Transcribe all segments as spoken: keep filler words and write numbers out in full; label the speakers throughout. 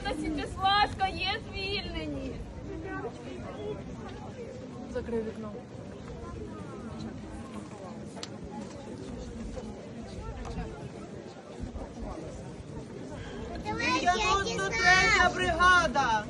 Speaker 1: Свята Січеславська є звільнені.
Speaker 2: Закрий вікно.
Speaker 3: дев'яносто третя бригада.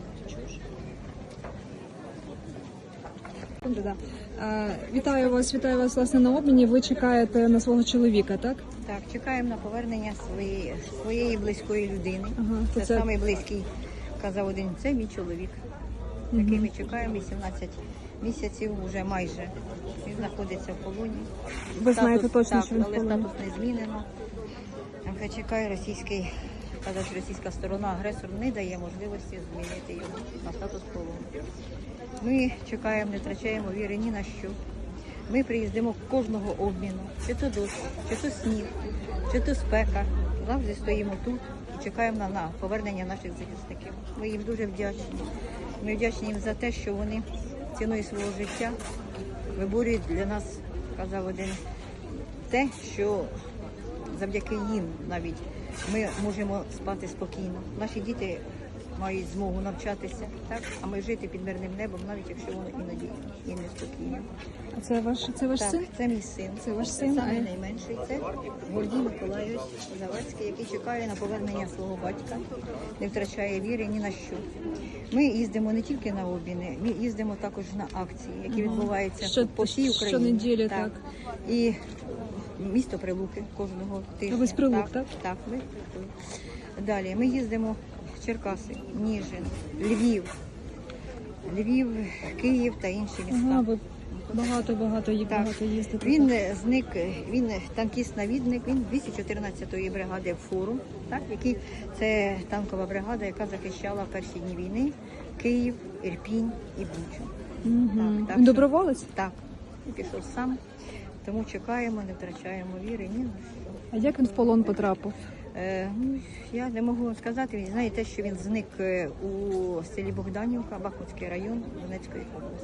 Speaker 2: Да. Е, Вітаю вас, вітаю вас власне на обміні. Ви чекаєте на свого чоловіка, так?
Speaker 4: Так, чекаємо на повернення своєї, своєї близької людини.
Speaker 2: Ага, то
Speaker 4: це
Speaker 2: це-
Speaker 4: самий близький, казав один, це мій чоловік. Який ми чекаємо вісімнадцять місяців, вже майже. Він знаходиться в полоні.
Speaker 2: Ви знаєте точно,
Speaker 4: так,
Speaker 2: що він в
Speaker 4: але
Speaker 2: полоні?
Speaker 4: статус не змінено. Хай чекає російський, казав, що російська сторона, агресор не дає можливості змінити його на статус полону. Ми чекаємо, не втрачаємо віри ні на що. Ми приїздимо кожного обміну, чи то дощ, чи то сніг, чи то спека. Завжди стоїмо тут і чекаємо на, на повернення наших захисників. Ми їм дуже вдячні. Ми вдячні їм за те, що вони ціною свого життя виборюють для нас, казав один, те, що завдяки їм навіть ми можемо спати спокійно. Наші діти мають змогу навчатися, так, а ми жити під мирним небом, навіть якщо воно іноді і неспокійно.
Speaker 2: А це ваш, це ваш
Speaker 4: Так,
Speaker 2: син?
Speaker 4: це мій син.
Speaker 2: Це ваш син,
Speaker 4: Саме
Speaker 2: а-
Speaker 4: найменший. Це Гордій Миколайович Завадський, який чекає на повернення свого батька, не втрачає віри ні на що. Ми їздимо не тільки на обміни, ми їздимо також на акції, які відбуваються
Speaker 2: Що-
Speaker 4: по всій Україні.
Speaker 2: щонеділі, так.
Speaker 4: І місто Прилуки кожного тижня.
Speaker 2: ви з Прилук, так?
Speaker 4: Так, ми з Прилук. Далі ми їздимо в Черкаси, Ніжин, Львів, Львів, Київ та інші міста.
Speaker 2: Ага, ви багато-багато їх
Speaker 4: Так.
Speaker 2: багато їздите.
Speaker 4: Він е, зник, він е, танкіст-навідник, він двісті чотирнадцятої бригади «Форум», так, який, це танкова бригада, яка захищала в перші дні війни Київ, Ірпінь і Бучу.
Speaker 2: Угу.
Speaker 4: Так, так
Speaker 2: Він
Speaker 4: що-
Speaker 2: доброволець?
Speaker 4: Так, він пішов сам, тому чекаємо, не втрачаємо віри, ні на що.
Speaker 2: А як він в полон потрапив?
Speaker 4: Е, ну, я не можу вам сказати, він знає те, що він зник е, у селі Богданівка, Бахмутський район Донецької області.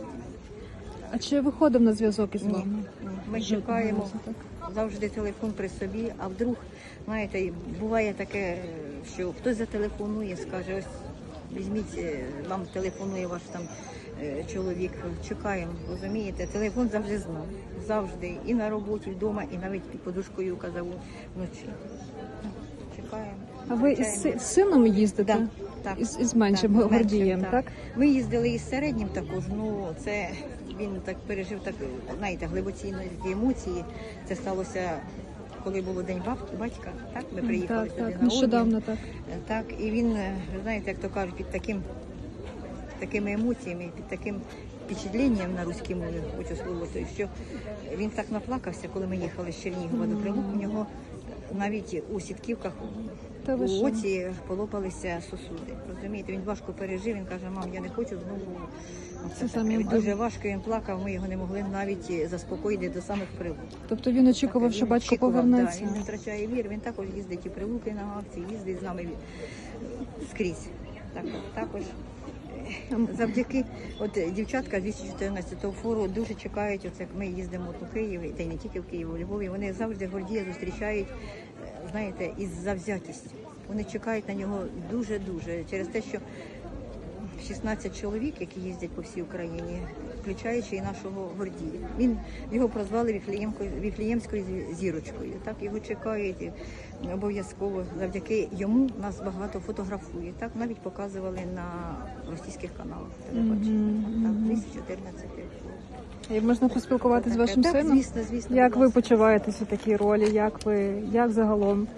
Speaker 2: А чи виходив на зв'язок із
Speaker 4: Ні,
Speaker 2: вами?
Speaker 4: ні. Ми
Speaker 2: Жодного
Speaker 4: чекаємо
Speaker 2: разу, так?
Speaker 4: завжди телефон при собі, а вдруг, знаєте, буває таке, що хтось зателефонує, скаже, ось візьміть, е, вам телефонує ваш там е, чоловік, чекаємо, розумієте, телефон завжди знав, завжди, і на роботі, вдома, і навіть під подушкою, казав, вночі. Чекаємо.
Speaker 2: А ви із
Speaker 4: втрачаємо.
Speaker 2: си- з сином їздите?
Speaker 4: Так, так.
Speaker 2: Із, із меншим
Speaker 4: Так,
Speaker 2: Гордієм,
Speaker 4: меншим,
Speaker 2: так?
Speaker 4: Ми їздили із середнім також, ну це він так пережив, так, знаєте, глибоці емоції. Це сталося, коли було День баб- батька, так? Ми приїхали
Speaker 2: Так,
Speaker 4: сюди
Speaker 2: так,
Speaker 4: на
Speaker 2: нещодавно
Speaker 4: обмін.
Speaker 2: так.
Speaker 4: Так, і він, е, знаєте, як то кажуть, під таким, такими емоціями, під таким впечатленням на руській мові, хочу слово, то що він так наплакався, коли ми їхали з Чернігова до Прилук, у нього навіть у сітківках
Speaker 2: Та ви
Speaker 4: у
Speaker 2: що?
Speaker 4: оці полопалися сосуди. Розумієте, він важко пережив, він каже, мам, я не хочу знову.
Speaker 2: Це
Speaker 4: Це
Speaker 2: самі
Speaker 4: таке. Дуже
Speaker 2: обидва.
Speaker 4: важко він плакав, ми його не могли навіть заспокоїти до самих Прилук.
Speaker 2: Тобто він очікував, що
Speaker 4: Він
Speaker 2: батько
Speaker 4: очікував,
Speaker 2: повернеться?
Speaker 4: Да, він не втрачає вір, він також їздить і Прилуки на акції, їздить з нами скрізь. Так, також завдяки, от дівчатка з двісті чотирнадцятого фору дуже чекають, оце як ми їздимо от у Києві, та й не тільки в Києві, у Львові, вони завжди Гордія зустрічають, е, знаєте, із завзятістю. Вони чекають на нього дуже-дуже, через те, що шістнадцять чоловік, які їздять по всій Україні, включаючи і нашого Гордія. Він, його прозвали Віфлеємкою, Віфлеємською зірочкою. Так, його чекають і обов'язково. Завдяки йому нас багато фотографує. Так, навіть показували на російських каналах телебачення. Так, двісті чотирнадцятий.
Speaker 2: І можна поспілкуватися з вашим
Speaker 4: Так,
Speaker 2: сином?
Speaker 4: звісно, звісно.
Speaker 2: Як
Speaker 4: будь
Speaker 2: ви
Speaker 4: ласка.
Speaker 2: почуваєтесь у такій ролі? Як ви, як загалом?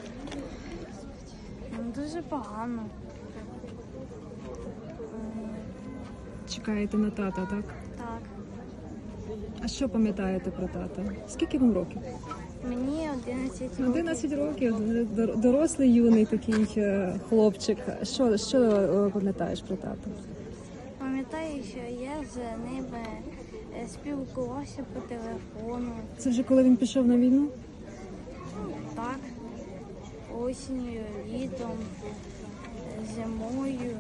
Speaker 1: Ну, дуже погано.
Speaker 2: Чекаєте на тата, так?
Speaker 1: Так.
Speaker 2: А що пам'ятаєте про тата? Скільки вам років?
Speaker 1: Мені одинадцять років.
Speaker 2: одинадцять років, дор- дорослий юний такий е, хлопчик. Що, що е, пам'ятаєш про тата?
Speaker 1: Пам'ятаю, що я з ними е, спілкувався по телефону.
Speaker 2: Це вже коли він пішов на війну?
Speaker 1: Так. Осінню, літом, зимою,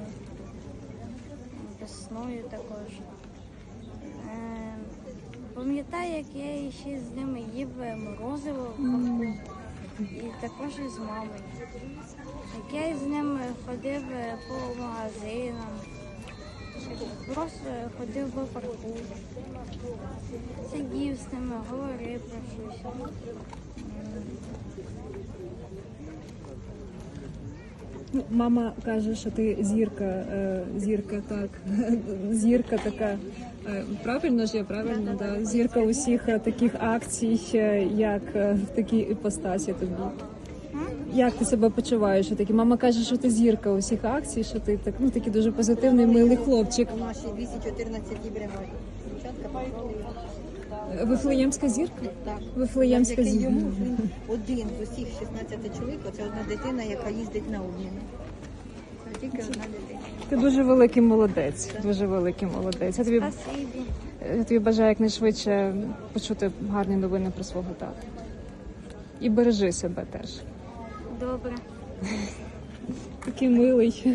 Speaker 1: весною також. Е, Пам'ятаю, як я ще з ними їв морозиво в кавку. І також із мамою. Я з ним ходив по магазинам, просто ходив по парку, сидів з ними, говорив про щось.
Speaker 2: Ну, мама каже, що ти зірка, е, зірка, так, зірка така. Е, Правильно ж я, правильно, да? Зірка усіх е, таких акцій, е, як е, в такій іпостасі тобі. Як ти себе почуваєш? Що такі? Мама каже, що ти зірка усіх акцій, що ти так, ну, такий дуже позитивний, милий хлопчик.
Speaker 4: У нашій двісті чотирнадцятій бригаді. Дівчатка пам'ятали.
Speaker 2: Вифлеємська зірка?
Speaker 4: Так.
Speaker 2: Вифлеємська
Speaker 4: Завдяки
Speaker 2: зірка.
Speaker 4: йому він один з усіх шістнадцяти чоловік, це одна дитина, яка їздить на обміни. Це тільки одна дитина.
Speaker 2: Ти дуже великий молодець, дуже великий молодець. Я тобі,
Speaker 1: Спасибі.
Speaker 2: я тобі бажаю якнайшвидше почути гарні новини про свого тата. І бережи себе теж.
Speaker 1: Добре.
Speaker 2: Такий милий.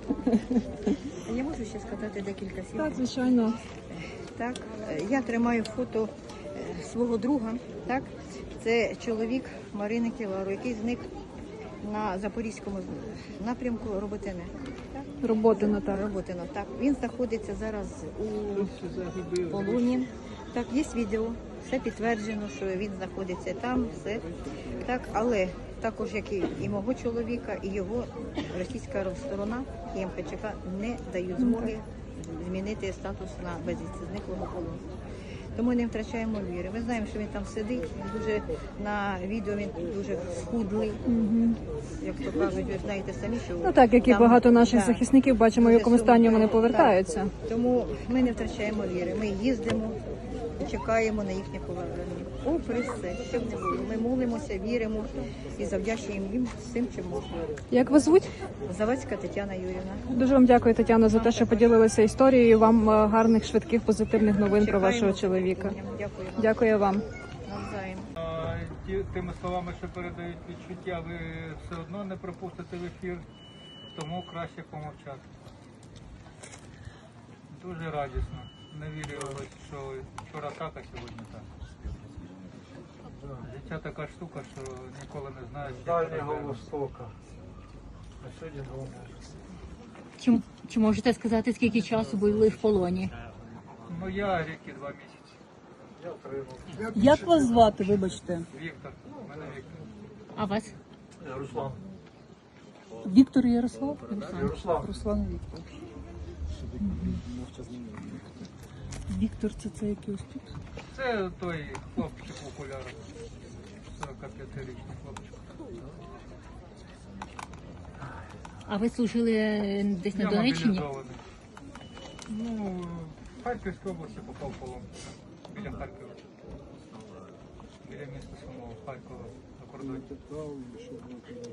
Speaker 4: Я можу ще сказати декілька слів?
Speaker 2: Так, звичайно.
Speaker 4: Так, е, я тримаю фото е, свого друга. Так, це чоловік Марини Кілару, який зник на Запорізькому напрямку Роботине. Так,
Speaker 2: Роботина, так.
Speaker 4: Роботино. Так, він знаходиться зараз у полоні. Так, є відео, все підтверджено, що він знаходиться там, все. Так, але також, як і, і мого чоловіка, і його російська сторона і ем ха че ка не дають змоги змінити статус на безвісти зниклого полону. Тому не втрачаємо віри. Ми знаємо, що він там сидить, він дуже на відео він дуже схудлий, як то кажуть, ви знаєте самі, що
Speaker 2: Ну так, як і
Speaker 4: там,
Speaker 2: багато наших
Speaker 4: да,
Speaker 2: захисників, бачимо, в
Speaker 4: дуже
Speaker 2: якому стані вони
Speaker 4: сумно.
Speaker 2: повертаються.
Speaker 4: Так. Тому ми не втрачаємо віри. Ми їздимо і чекаємо на їхнє повернення. Попри все, що б не було. Ми молимося, віримо і завдячуємо їм всім, чим можна.
Speaker 2: Як вас звуть?
Speaker 4: Завадська Тетяна Юрівна.
Speaker 2: Дуже вам дякую, Тетяно, за те, що поділилися історією. Вам е, гарних, швидких, позитивних новин про вашого
Speaker 4: Чекаємо
Speaker 2: чоловіка.
Speaker 4: Дякую.
Speaker 2: Дякую вам.
Speaker 4: Навзаєм.
Speaker 5: А, ті- Тими словами, що передають відчуття, ви все одно не пропустите в ефір, тому краще помовчати. Дуже радісно. Не вірилось, що вчора так, а сьогодні так. Життя така штука, що ніколи не знаєш, як
Speaker 6: Дальнього
Speaker 5: тебе.
Speaker 6: Востока. А сьогодні головне.
Speaker 7: Чи, чи можете сказати, скільки часу були в полоні?
Speaker 5: Ну я рік і два місяці.
Speaker 6: Я отримав.
Speaker 7: Як вас звати, вибачте?
Speaker 5: Віктор, в мене Віктор.
Speaker 7: А вас?
Speaker 6: Руслан.
Speaker 7: Віктор Ярослав?
Speaker 6: Руслан.
Speaker 7: Руслан Віктор. Віктор, це це який ось тут?
Speaker 5: Це той хлопчик в окулярах. сорокап'ятирічний хлопчик.
Speaker 7: А ви служили десь на
Speaker 5: Я
Speaker 7: Донеччині?
Speaker 5: мобілізований. Ну, в Харківській області попав в полон. Біля Харкова. Біля міста самого Харкова на кордоні.